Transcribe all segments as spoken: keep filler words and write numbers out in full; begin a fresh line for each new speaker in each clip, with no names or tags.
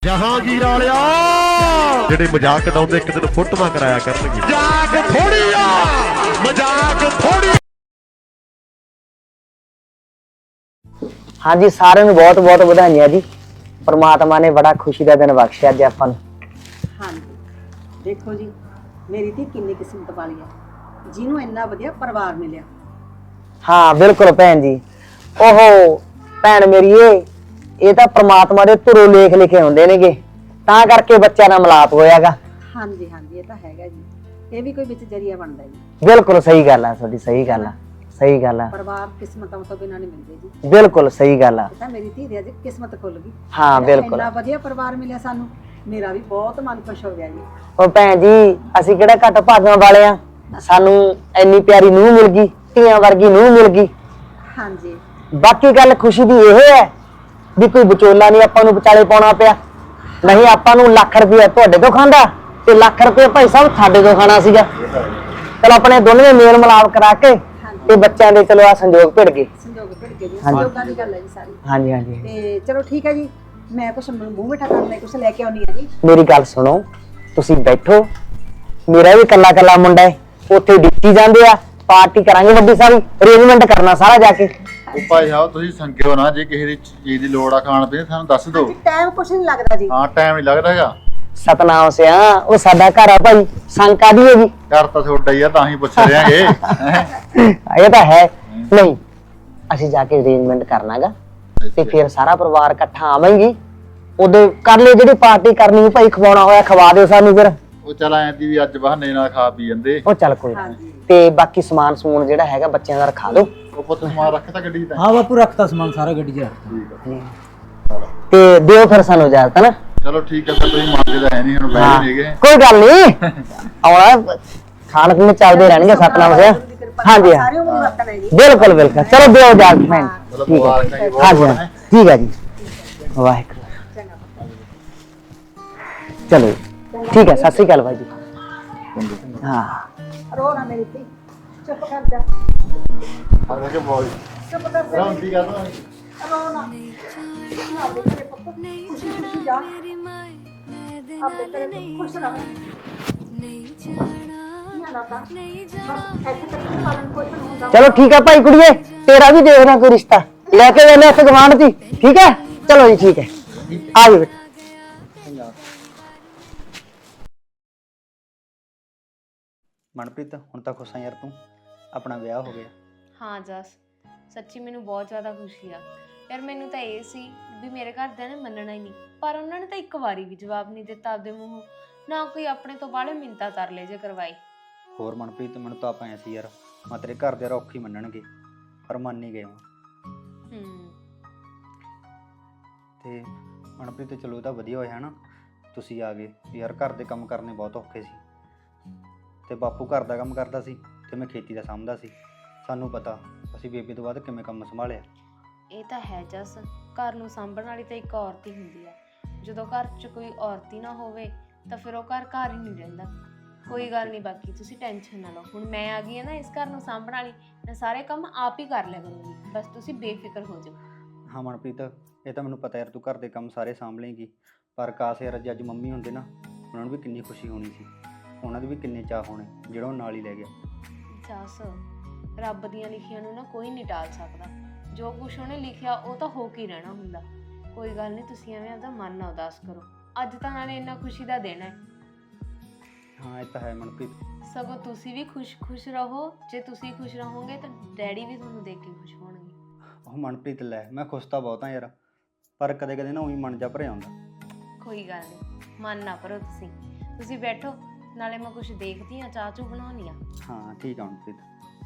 ਜਹਾਂਗੀਰ ਵਾਲਿਆ ਜਿਹੜੇ ਮਜ਼ਾਕ ਉਡਾਉਂਦੇ ਇੱਕ ਦਿਨ ਫੋਟੋਆਂ ਕਰਾਇਆ ਕਰਨਗੇ। ਮਜ਼ਾਕ ਥੋੜੀ ਆ, ਮਜ਼ਾਕ ਥੋੜੀ।
ਹਾਂਜੀ ਸਾਰਿਆਂ ਨੂੰ ਬਹੁਤ ਬਹੁਤ ਵਧਾਈਆਂ ਜੀ। परमात्मा ने बड़ा खुशी का दिन बख्शिया अज आपां नूं।
हाँ जी देखो जी मेरी धी किन्नी किस्मत वाली है जिन्हों इन्ना वधिया परिवार मिलिया।
हाँ बिल्कुल भैन जी। ओहो भैन मेरी ये तो परमात्मा दे धुरों लेख लिखे होंदे नेगे तां करके बच्चा नाल मिलाप होयागा।
हाँ जी हाँ जी ये तो हैगा जी ये भी कोई विच जरिया बनदा जी।
बिल्कुल सही गल है तुहाडी सही गल है सही गल है।
परिवार किस्मतों तो बिना नहीं मिलदे जी।
बिल्कुल सही गल है।
तां मेरी धी दी अज किस्मत खुल गई।
हाँ बिल्कुल
इन्ना वधिया परिवार मिलिया सानू मेरा भी बहुत मन खुश हो गया जी।
ओ भैन जी असीं किहड़ा घट भागां वाले आ सानू इन्नी प्यारी नूंह मिल गई धीआं वर्गी नूंह मिल गई।
हाँ जी
बाकी गल खुशी दी इह है भी कोई विचोला नहीं आपां नूं विचाले पाउणा पिया नहीं आपां नूं लाख रुपया तुहाडे तों खांदा ते लाख रुपया भाई साहब साडे तों खाना सीगा। चल अपने दोनों मेल मिलाप करा के ते बच्चों दे चलो आ संजोग भिड़ गए।
संजोग भिड़ गए जी संजोगां दी गल है जी सारी।
हाँ जी हाँ जी
ते चलो ठीक है जी मैं कुछ मूंह मिठा करना कुछ लेके आउणी है जी।
मेरी गल सुनो तुसीं बैठो मेरा भी कल्ला कल्ला मुंडा है उत्थे डिक्की जांदे आ पार्टी करांगे वड्डी सारी अरेंजमेंट करना सारा जाके।
ਉਹ ਭਾਈ ਸਾਹਿਬ ਤੁਸੀਂ ਸੰਗਿਓ ਨਾ ਜੇ ਕਿਸੇ ਦੀ ਚੀਜ਼ ਦੀ ਲੋੜ ਆ ਖਾਣ ਪੀਣ ਸਾਨੂੰ ਦੱਸ ਦਿਓ।
टाइम कुछ नहीं लगता जी।
ਹਾਂ ਟਾਈਮ ਨਹੀਂ ਲੱਗਦਾ ਹੈਗਾ।
सतनाम सिया वो साडा घर आ भाई संग कादी है जी।
ਘਰ ਤਾਂ ਤੁਹਾਡਾ ਹੀ ਆ ਤਾਂ ਹੀ ਪੁੱਛ ਰਹੇ ਆਂਗੇ।
ये तो है नहीं ਅਸੀਂ ਜਾ ਕੇ ਅਰੇਂਜਮੈਂਟ ਕਰਨਾਗਾ ਤੇ ਫਿਰ ਸਾਰਾ ਪਰਿਵਾਰ ਇਕੱਠਾ ਆਵਾਂਗੇ ਉਹਦੇ ਕਰ ਲਈ ਜਿਹੜੀ ਪਾਰਟੀ ਕਰਨੀ ਭਾਈ ਖਵਾਉਣਾ ਹੋਇਆ ਖਵਾ ਦਿਓ ਸਾਨੂੰ ਫਿਰ।
ਉਹ ਚੱਲ ਐਂ ਦੀ ਵੀ ਅੱਜ ਬਹਾਨੇ ਨਾਲ ਖਾ ਪੀ ਜਾਂਦੇ।
ਉਹ ਚੱਲ ਕੋਈ ਨਾ ਤੇ ਬਾਕੀ ਸਮਾਨ ਸਮੂਨ ਜਿਹੜਾ ਹੈਗਾ ਬੱਚਿਆਂ ਦਾ ਰਖਾ ਦਿਓ।
ਉਹ ਪੁੱਤ ਸਮਾਨ ਰੱਖਤਾ ਗੱਡੀ ਤਾਂ।
हाँ बापू रखता सामान सारा गड्डी च रखता।
ਤੇ ਦਿਓ ਫਿਰ ਸਾਨੂੰ ਇਜਾਜ਼ਤ ਨਾ।
ਚਲੋ ਠੀਕ ਹੈ ਫਿਰ ਤੁਸੀਂ ਮੰਨਦੇ ਤਾਂ ਹੈ ਨਹੀਂ ਹੁਣ ਬੈਠ ਨਹੀਂ ਗਏ।
ਕੋਈ ਗੱਲ ਨਹੀਂ ਆਉਣਾ ਖਾਣ ਪੀਣ ਚੱਲਦੇ ਰਹਿਣਗੇ ਸਤਨਾਮ ਸਿਆ। हाँ जी हाँ
सारे उम्र वतन है जी।
बिल्कुल बिल्कुल चलो दो इजाजत मैं ठीक है हाँ जी हाँ ठीक है जी वाहिगुरू चलो ठीक है सत श्री अकाल भाई जी। हाँ
रो ना मेरी थी चुप कर जा
ਆ ਕੇ ਬੋਲ
चुप कर जा
ਰੌਂਦੀ ਗਾ ਤਾਂ
रो ना ना बेटे पुੱਤ खुशी खुशी जा अब तेरे खुश रहो ना ना बस ऐसे करके पालन पोषण होगा।
चलो ठीक है भाई कुड़िए तेरा भी देखना कोई रिश्ता लेके वेले इस गवांढ थी ठीक है। चलो जी ठीक है आ जाओ बेटा।
मनप्रीत हुण तां खुश आ यार तू अपना विआह हो गया।
हाँ जस सच्ची मैनू बहुत ज़्यादा खुशी आ यार। मैनू तो ये सी भी मेरे घरदियां ने मनना ही नहीं पर उन्होंने तो एक बारी भी जवाब नहीं दिता आपदे मूँहों ना कोई अपने तो बाहले मिन्नतां तरले जे करवाई।
होर मनप्रीत मैनूं तां आपां ऐ सी यार मैं तेरे घर दे औखी मन्नणगे पर मन नहीं गए
हम्म
ते मनप्रीत चलो तां वधिया होया ना तुसीं आ गए यार। घर दे काम करने बहुत औखे सी ते बापू घर दा काम करदा सी ते मैं खेती दा साਂਭਦਾ ਸੀ। ਸਾਨੂੰ पता ਅਸੀਂ ਬੇਬੇ ਤੋਂ ਬਾਅਦ ਕਿਵੇਂ ਕੰਮ ਸੰਭਾਲਿਆ।
ਇਹ ਤਾਂ ਹੈ ਜਸ ਘਰ ਨੂੰ ਸਾਂਭਣ ਵਾਲੀ ਤਾਂ ਇੱਕ ਔਰਤ ਹੀ ਹੁੰਦੀ ਆ। ਜਦੋਂ ਘਰ 'ਚ ਕੋਈ ਔਰਤ ਹੀ ਨਾ ਹੋਵੇ ਤਾਂ ਫਿਰ ਉਹ ਘਰ ਘਰ ਹੀ ਨਹੀਂ ਰਹਿੰਦਾ। ਕੋਈ ਗੱਲ ਨਹੀਂ ਬਾਕੀ ਤੁਸੀਂ ਟੈਨਸ਼ਨ ਨਾ ਲਓ ਹੁਣ ਮੈਂ ਆ ਗਈ ਹਾਂ ਨਾ ਇਸ ਘਰ ਨੂੰ ਸਾਂਭਣ ਵਾਲੀ ਮੈਂ ਸਾਰੇ ਕੰਮ ਆਪ ਹੀ ਕਰ ਲਿਆ ਕਰੂੰਗੀ ਬਸ ਤੁਸੀਂ ਬੇਫਿਕਰ ਹੋ ਜਾਓ।
ਹਾਂ ਮਨਪ੍ਰੀਤ ਇਹ ਤਾਂ ਮੈਨੂੰ ਪਤਾ ਯਾਰ ਤੂੰ ਘਰ ਦੇ ਕੰਮ ਸਾਰੇ ਸਾਂਭ ਲੇਂਗੀ ਪਰ ਕਾਸ਼ ਯਾਰ ਅੱਜ ਮੰਮੀ ਹੁੰਦੇ ਨਾ ਉਹਨਾਂ ਨੂੰ ਵੀ ਕਿੰਨੀ ਖੁਸ਼ੀ ਹੋਣੀ ਸੀ ਉਹਨਾਂ ਦੇ ਵੀ ਕਿੰਨੇ ਚਾਹ ਹੋਣੇ ਜਿਹੜਾ ਉਹ ਨਾਲ ਹੀ ਲੈ ਗਿਆ।
ਜਸ ਰੱਬ ਦੀਆਂ ਲਿਖੀਆਂ ਨੂੰ ਨਾ ਕੋਈ ਨਹੀਂ ਟਾਲ ਸਕਦਾ ਜੋ ਕੁਛ ਉਹਨੇ ਲਿਖਿਆ ਉਹ ਤਾਂ ਹੋ ਕੇ ਰਹਿਣਾ ਹੁੰਦਾ। ਕੋਈ ਗੱਲ ਨਹੀਂ ਤੁਸੀਂ ਐਵੇਂ ਆਪਦਾ ਮਨ ਨਾ ਉਦਾਸ ਕਰੋ ਅੱਜ ਤਾਂ ਨਾਲੇ ਇੰਨਾ ਖੁਸ਼ੀ ਦਾ ਦਿਨ ਹੈ।
ਹਾਂ ਇਹ ਤਾਂ ਹੈ ਮਨਪ੍ਰੀਤ
ਸਗੋਂ ਤੁਸੀਂ ਵੀ ਖੁਸ਼ ਖੁਸ਼ ਰਹੋ ਜੇ ਤੁਸੀਂ ਖੁਸ਼ ਰਹੋਗੇ ਤਾਂ ਡੈਡੀ ਵੀ ਤੁਹਾਨੂੰ ਦੇਖ ਕੇ ਖੁਸ਼ ਹੋਣਗੇ।
ਉਹ ਮਨਪ੍ਰੀਤ ਲੈ ਮੈਂ ਖੁਸ਼ ਤਾਂ ਬਹੁਤ ਹਾਂ ਯਾਰ ਪਰ ਕਦੇ ਕਦੇ ਨਾ ਉਹੀ ਮਨ ਜਾ ਭਰਿਆ ਹੁੰਦਾ।
ਕੋਈ ਗੱਲ ਨਹੀਂ ਮਨ ਨਾ ਭਰੋ ਤੁਸੀਂ ਤੁਸੀਂ ਬੈਠੋ ਨਾਲੇ ਮੈਂ ਕੁਝ ਦੇਖਦੀ ਹਾਂ ਚਾਹ ਚੂ ਬਣਾਉਣੀ ਆ।
ਹਾਂ ਠੀਕ ਆ ਮਨਪ੍ਰੀਤ।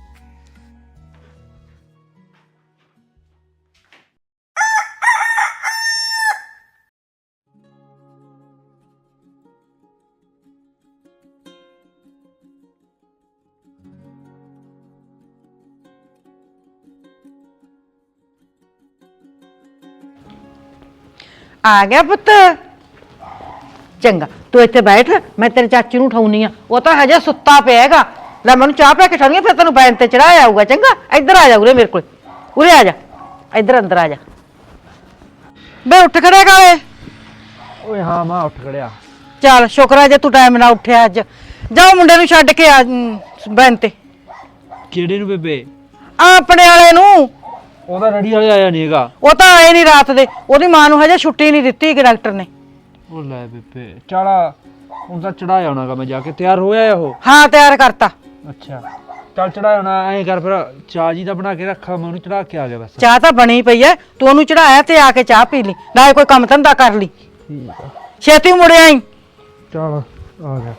आ गया पुत चंगा तू इत्थे बैठ मैं तेरे चाची नूं उठाउनी आ वो तो हजे सुत्ता पिया हैगा ले मैनूं चाह पिया के उठाउणी फिर तेनों बैन ते चढ़ाया आऊगा चंगा इधर आ जा उरे मेरे कोल उरे आ जा इधर अंदर आ जा बे उठ खड़े काले
ਓਏ ਹਾਂ ਮਾਂ ਉੱਠ ਖੜਿਆ।
ਚੱਲ ਸ਼ੁਕਰ ਆ ਜੇ ਤੂੰ ਟਾਈਮ ਨਾਲ ਉੱਠਿਆ ਅੱਜ। ਜਾਓ ਮੁੰਡੇ ਨੂੰ ਛੱਡ ਕੇ ਆ ਬੈਨ ਤੇ।
ਕਿਹੜੇ ਨੂੰ ਬੇਬੇ?
ਆ ਆਪਣੇ ਵਾਲੇ ਨੂੰ।
ਉਹਦਾ ਰੜੀ ਵਾਲੇ ਆਇਆ ਨਹੀਂ ਹੈਗਾ।
ਉਹ ਤਾਂ ਆਏ ਨਹੀਂ ਰਾਤ ਦੇ, ਉਹਦੀ ਮਾਂ ਨੂੰ ਹਜੇ ਛੁੱਟੀ ਨਹੀਂ ਦਿੱਤੀ ਕਿ ਡਾਕਟਰ ਨੇ।
ਉਹ ਲੈ ਬੇਬੇ ਚੱਲ ਹੁਣ ਤਾਂ ਚੜਾਇਆ ਹੋਣਾਗਾ, ਮੈਂ ਜਾ ਕੇ ਤਿਆਰ ਹੋਇਆ ਆ ਉਹ।
ਹਾਂ ਤਿਆਰ ਕਰਤਾ।
ਅੱਛਾ ਚੱਲ ਚੜਾਇਆ ਹੋਣਾ। ਐਂ ਕਰ ਫਿਰ ਚਾਹ ਜੀ ਦਾ ਬਣਾ ਕੇ ਰੱਖਾ, ਮੈਂ ਉਹਨੂੰ ਚੜਾ ਕੇ ਆ ਗਿਆ ਬਸ।
ਚਾਹ ਤਾਂ ਬਣੀ ਪਈ ਐ, ਤੂੰ ਉਹਨੂੰ ਚੜਾਇਆ ਤੇ ਆ ਕੇ ਚਾਹ ਪੀ ਲਈ, ਨਾਲੇ ਕੋਈ ਕੰਮ ਧੰਦਾ ਕਰ ਲਈ।
ਠੀਕ ਆ
ਛੇਤੀ ਮੁੜ ਆਈ।
ਚੱਲ ਆ ਗਿਆ।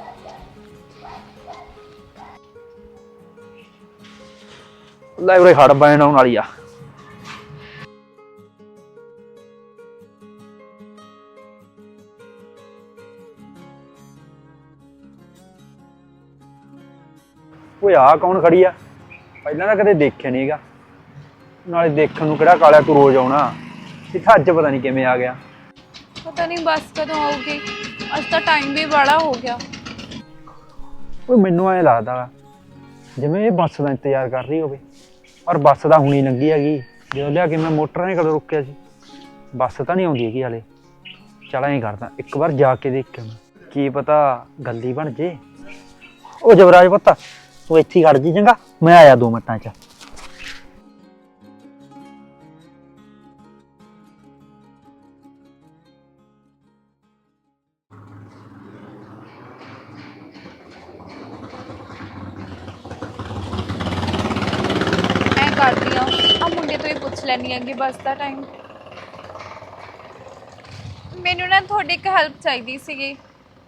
ਲੈ ਉਰੇ ਹੜ ਬੈਣ ਆਉਣ ਵਾਲੀ ਆ। ਓਏ ਆ ਕੌਣ ਖੜੀ ਆ? ਪਹਿਲਾਂ ਤਾਂ ਕਦੇ ਦੇਖਿਆ ਨਹੀਂ ਹੈਗਾ, ਨਾਲੇ ਦੇਖਣ ਨੂੰ ਕਿਹੜਾ ਕਾਲਿਆ ਤੂੰ ਰੋਜ਼ ਆਉਣਾ, ਇੱਥੇ ਅੱਜ ਪਤਾ ਨਹੀਂ ਕਿਵੇਂ ਆ ਗਿਆ।
ਪਤਾ ਨਹੀਂ ਬੱਸ ਕਦੋਂ ਆਊਗੀ, ਅੱਜ ਤਾਂ ਟਾਈਮ ਵੀ ਬੜਾ ਹੋ ਗਿਆ।
ਓਏ ਮੈਨੂੰ ਐਂ ਲੱਗਦਾ ਜਿਵੇਂ ਇਹ ਬੱਸ ਦਾ ਇੰਤਜ਼ਾਰ ਕਰ ਰਹੀ ਹੋਵੇ, ਔਰ ਬੱਸ ਤਾਂ ਹੁਣੀ ਲੰਘੀ ਹੈਗੀ। ਜਦੋਂ ਲਿਆ ਕੇ ਮੈਂ ਮੋਟਰਾਂ ਨੇ ਕਦੋਂ ਰੁਕਿਆ ਸੀ, ਬੱਸ ਤਾਂ ਨਹੀਂ ਆਉਂਦੀ ਹੈਗੀ ਹਾਲੇ। ਚੱਲ ਐਂ ਕਰਦਾ ਇੱਕ ਵਾਰ ਜਾ ਕੇ ਦੇਖ ਕੇ ਮੈਂ, ਕੀ ਪਤਾ ਗੱਲ ਹੀ ਬਣ ਜੇ। ਉਹ ਜਵਰਾਜ ਪੁੱਤ ਤੂੰ ਇੱਥੇ ਖੜ ਜੀ ਚੰਗਾ, ਮੈਂ ਆਇਆ ਦੋ ਮਿੰਟਾਂ ਚ।
ਐਂ ਕਰਦੀ ਆ ਆ ਮੁੰਡੇ ਤੋਂ ਹੀ ਪੁੱਛ ਲੈਣੀ ਹੈਗੀ ਬੱਸ ਦਾ ਟਾਈਮ। ਮੈਨੂੰ ਨਾ ਤੁਹਾਡੀ ਇੱਕ ਹੈਲਪ ਚਾਹੀਦੀ ਸੀਗੀ।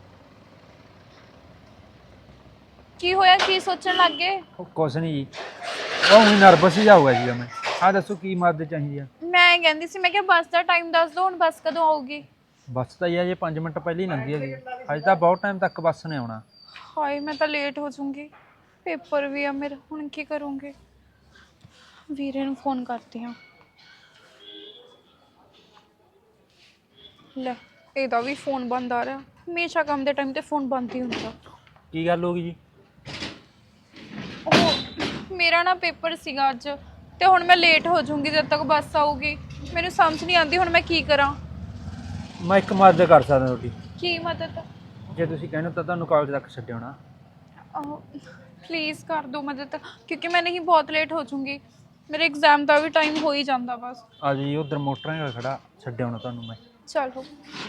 ਕੀ ਹੋਇਆ, ਕੀ ਸੋਚਣ ਲੱਗ ਗਏ?
ਉਹ ਕੁਛ ਨਹੀਂ ਜੀ, ਉਹ ਹੁਣ ਨਰਵਸ ਹੀ ਜਾਊਗਾ ਜੀ ਮੈਂ। ਆਹ ਦੱਸੋ ਕੀ ਮਦਦ ਚਾਹੀਦੀ ਆ?
ਮੈਂ ਇਹ ਕਹਿੰਦੀ ਸੀ, ਮੈਂ ਕਿਹਾ ਬੱਸ ਦਾ ਟਾਈਮ ਦੱਸ ਦਿਓ, ਹੁਣ ਬੱਸ ਕਦੋਂ ਆਊਗੀ?
ਬੱਸ ਤਾਂ ਇਹ ਜੇ ਪੰਜ ਮਿੰਟ ਪਹਿਲਾਂ ਹੀ ਲੰਘੀ ਹੈਗੀ, ਅਜੇ ਤਾਂ ਬਹੁਤ ਟਾਈਮ ਤੱਕ ਬੱਸ ਨੇ ਆਉਣਾ।
ਹਾਏ ਮੈਂ ਤਾਂ ਲੇਟ ਹੋ ਜਾਊਂਗੀ, ਪੇਪਰ ਵੀ ਆ ਮੇਰਾ, ਹੁਣ ਕੀ ਕਰੂੰਗੀ? ਵੀਰੇ ਨੂੰ ਫੋਨ ਕਰਦੀ ਹਾਂ। ਲੈ ਇਹਦਾ ਵੀ ਫੋਨ ਬੰਦ ਆ ਰਿਹਾ, ਹਮੇਸ਼ਾ ਕੰਮ ਦੇ ਟਾਈਮ ਤੇ ਫੋਨ ਬੰਦ ਹੀ ਹੁੰਦਾ।
ਕੀ ਗੱਲ ਹੋ ਗਈ ਜੀ?
ਉਹ ਮੇਰਾ ਨਾ ਪੇਪਰ ਸੀਗਾ ਅੱਜ, ਤੇ ਹੁਣ ਮੈਂ ਲੇਟ ਹੋ ਜਾਊਂਗੀ ਜਦ ਤੱਕ ਬੱਸ ਆਊਗੀ। ਮੈਨੂੰ ਸਮਝ ਨਹੀਂ ਆਉਂਦੀ ਹੁਣ ਮੈਂ ਕੀ ਕਰਾਂ।
ਮੈਂ ਇੱਕ ਮਦਦ ਕਰ ਸਕਦਾ ਤੁਹਾਡੀ।
ਕੀ ਮਦਦ?
ਜੇ ਤੁਸੀਂ ਕਹਿੰਦੇ ਤਾਂ ਤੁਹਾਨੂੰ ਕਾਲਜ ਤੱਕ ਛੱਡ ਆਉਣਾ।
ਪਲੀਜ਼ ਕਰ ਦਿਓ ਮਦਦ, ਕਿਉਂਕਿ ਮੈਂ ਨਹੀਂ ਬਹੁਤ ਲੇਟ ਹੋ ਜਾਊਂਗੀ। ਮੇਰੇ ਐਗਜ਼ਾਮ ਦਾ ਵੀ ਟਾਈਮ ਹੋ ਹੀ ਜਾਂਦਾ ਬਸ।
ਆ ਜੀ ਉਧਰ ਮੋਟਰਾਂ ਨਾਲ ਖੜਾ, ਛੱਡ ਆਉਣਾ ਤੁਹਾਨੂੰ ਮੈਂ।
ਚਲੋ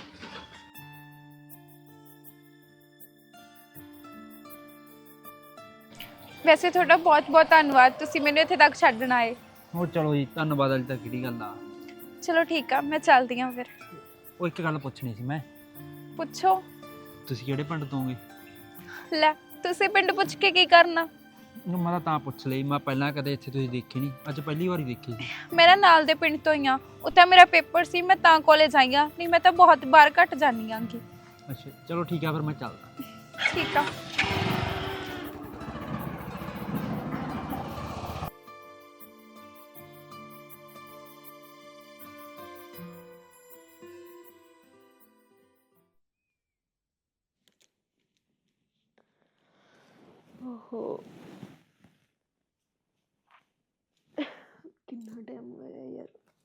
ਵੈਸੇ ਤੁਹਾਡਾ ਬਹੁਤ ਬਹੁਤ ਧੰਨਵਾਦ, ਤੁਸੀਂ ਮੈਨੂੰ ਇੱਥੇ ਤੱਕ ਛੱਡਣ ਆਏ।
ਉਹ ਚਲੋ ਜੀ ਧੰਨਵਾਦ ਵਾਲੀ ਤਾਂ ਕਿਹੜੀ ਗੱਲ ਆ।
ਚਲੋ ਠੀਕ ਆ, ਮੈਂ ਚੱਲਦੀ ਹਾਂ ਫਿਰ।
ਉਹ ਇੱਕ ਗੱਲ ਪੁੱਛਣੀ ਸੀ ਮੈਂ।
ਪੁੱਛੋ।
ਤੁਸੀਂ ਕਿਹੜੇ ਪਿੰਡ ਤੋਂ ਹੋਗੇ?
ਲੈ ਤੁਸੀਂ ਪਿੰਡ ਪੁੱਛ ਕੇ ਕੀ ਕਰਨਾ?
ਮੈਂ ਤਾਂ ਤਾਂ ਪੁੱਛ ਲਈ, ਮੈਂ ਪਹਿਲਾਂ ਕਦੇ ਇੱਥੇ ਤੁਸੀਂ ਦੇਖੀ ਨਹੀਂ, ਅੱਜ ਪਹਿਲੀ ਵਾਰੀ ਦੇਖੀ ਸੀ।
ਮੇਰਾ ਨਾਲ ਦੇ ਪਿੰਡ ਤੋਂ ਹੀ ਆ, ਉੱਥੇ ਮੇਰਾ ਪੇਪਰ ਸੀ, ਮੈਂ ਤਾਂ ਕਾਲਜ ਆਈ ਆ, ਨਹੀਂ ਮੈਂ ਤਾਂ ਬਹੁਤ ਬਾਰ ਘੱਟ ਜਾਂਦੀ ਆਂਗੀ।
ਅੱਛਾ ਚਲੋ ਠੀਕ ਆ, ਫਿਰ ਮੈਂ ਚੱਲਦਾ।
ਠੀਕ ਆ।
ਓਹੋ ਕਿੰਨਾ ਟਾਈਮ ਹੋਇਆ ਯਾਰ।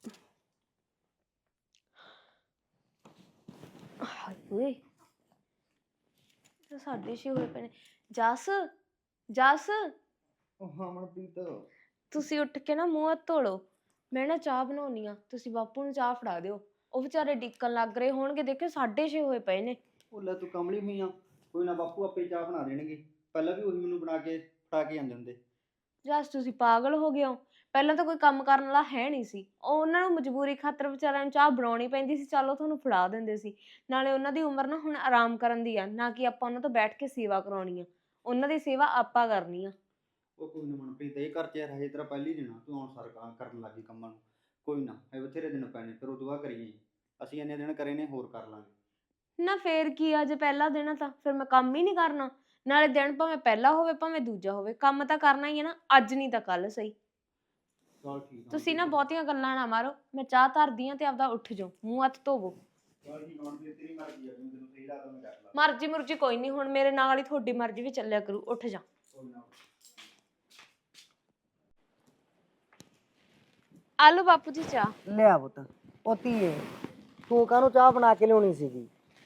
ਹਾਏ ਓਏ ਤਾਂ ਸਾਡੇ ਛੇ ਹੋਏ ਪਏ ਨੇ। ਜਸ ਜਸ
ਉਹ ਹਾਂ ਮਨਪ੍ਰੀਤ,
ਤੁਸੀਂ ਉੱਠ ਕੇ ਨਾ ਮੂੰਹ ਹੱਥ ਧੋ ਲਓ, ਮੈਂ ਨਾ ਚਾਹ ਬਣਾਉਣੀ ਆ, ਤੁਸੀਂ ਬਾਪੂ ਨੂੰ ਚਾਹ ਫੜਾ ਦਿਓ, ਉਹ ਵਿਚਾਰੇ ਡਿੱਕਣ ਲੱਗ ਰਹੇ ਹੋਣਗੇ। ਦੇਖਿਓ ਸਾਡੇ ਛੇ ਹੋਏ ਪਏ ਨੇ।
ਉਹ ਲੈ ਤੂੰ ਕਮਲੀ ਹੋਈ ਆ, ਕੋਈ ਨਾ ਬਾਪੂ ਆਪੇ ਚਾਹ ਬਣਾ ਦੇਣਗੇ, ਪਹਿਲਾਂ ਵੀ ਉਹੀ ਮੈਨੂੰ ਬਣਾ ਕੇ ਫੜਾ ਕੇ ਜਾਂਦੇ ਹੁੰਦੇ।
ਜਸ ਤੁਸੀਂ ਪਾਗਲ ਹੋ ਗਏ ਹੋ, ਪਹਿਲਾਂ ਤਾਂ ਕੋਈ ਕੰਮ ਕਰਨ ਵਾਲਾ ਹੈ ਨਹੀਂ ਸੀ, ਉਹ ਉਹਨਾਂ ਨੂੰ ਮਜਬੂਰੀ ਖਾਤਰ ਵਿਚਾਰਿਆਂ ਨੂੰ ਚਾਹ ਬਣਾਉਣੀ ਪੈਂਦੀ ਸੀ, ਚਲੋ ਤੁਹਾਨੂੰ ਫੜਾ ਦਿੰਦੇ ਸੀ। ਨਾਲੇ ਉਹਨਾਂ ਦੀ ਉਮਰ ਨਾ ਹੁਣ ਆਰਾਮ ਕਰਨ ਦੀ ਆ, ਨਾ ਕਿ ਆਪਾਂ ਉਹਨਾਂ ਤੋਂ ਬੈਠ ਕੇ ਸੇਵਾ ਕਰਾਉਣੀ ਆ, ਉਹਨਾਂ ਦੀ ਸੇਵਾ ਆਪਾਂ ਕਰਨੀ ਆ।
ਉਹ ਕੋਈ ਨਾ ਮਨਪ੍ਰੀਤ, ਇਹ ਘਰ 'ਚ ਯਾਰ ਹਜੇ ਤੇਰਾ ਪਹਿਲੀ ਦਿਨ ਆ, ਤੂੰ ਹੁਣ ਸਰ ਕਰਨ ਲੱਗੀ ਕੰਮਾਂ ਨੂੰ। ਕੋਈ ਨਾ ਇਹ ਬਥੇਰੇ ਦਿਨ ਪੈਣੇ, ਫਿਰ ਉਦੋਂ ਬਾਅਦ ਕਰੀਏ। ਅਸੀਂ ਇੰਨੇ ਦਿਨ ਕਰੇ ਨੇ, ਹੋਰ ਕਰ ਲਾਂਗੇ।
ਨਾ ਫੇਰ ਕੀ ਆ, ਜੇ ਪਹਿਲਾ ਦਿਨ ਆ ਤਾਂ ਫਿਰ ਮੈਂ ਕੰਮ ਹੀ ਨਹੀਂ ਕਰਨਾ? ਨਾਲੇ ਦਿਨ ਭਾਵੇਂ ਪਹਿਲਾ ਹੋਵੇ ਭਾਵੇਂ ਦੂਜਾ ਹੋਵੇ, ਕੰਮ ਤਾਂ ਕਰਨਾ ਹੀ ਹੈ ਨਾ, ਅੱਜ ਨਹੀਂ ਤਾਂ ਕੱਲ ਸਹੀ।
ਚਲ ਠੀਕ ਆ।
ਤੁਸੀਂ ਨਾ ਬਹੁਤੀਆਂ ਗੱਲਾਂ ਨਾ ਮਾਰੋ, ਮੈਂ ਚਾਹ ਧਰਦੀ ਆ ਤੇ ਆਪਦਾ ਉੱਠ ਜਾਓ, ਮੂੰਹ ਹੱਥ ਧੋਵੋ।
ਚਲ ਠੀਕ ਆ ਮਨਪ੍ਰੀਤ, ਤੇਰੀ ਮਰਜ਼ੀ ਆ, ਜਿਵੇਂ ਤੈਨੂੰ ਸਹੀ ਲੱਗਦਾ ਮੈਂ ਕਰ ਲਾਂ।
ਮਰਜ਼ੀ ਮੁਰਜ਼ੀ ਕੋਈ ਨਹੀਂ, ਹੁਣ ਮੇਰੇ ਨਾਲ ਹੀ ਤੁਹਾਡੀ ਮਰਜ਼ੀ ਵੀ ਚੱਲਿਆ ਕਰੂ, ਉੱਠ ਜਾ।
ਕੋਈ ਨਾ।
ਆਲੂ ਬਾਪੂ ਜੀ ਚਾਹ।
ਲਿਆ ਪੁੱਤ। ਉਹ ਧੀਏ ਤੂੰ ਕਾਹਨੂੰ ਚਾਹ ਬਣਾ ਕੇ ਲਿਆਉਣੀ ਸੀਗੀ?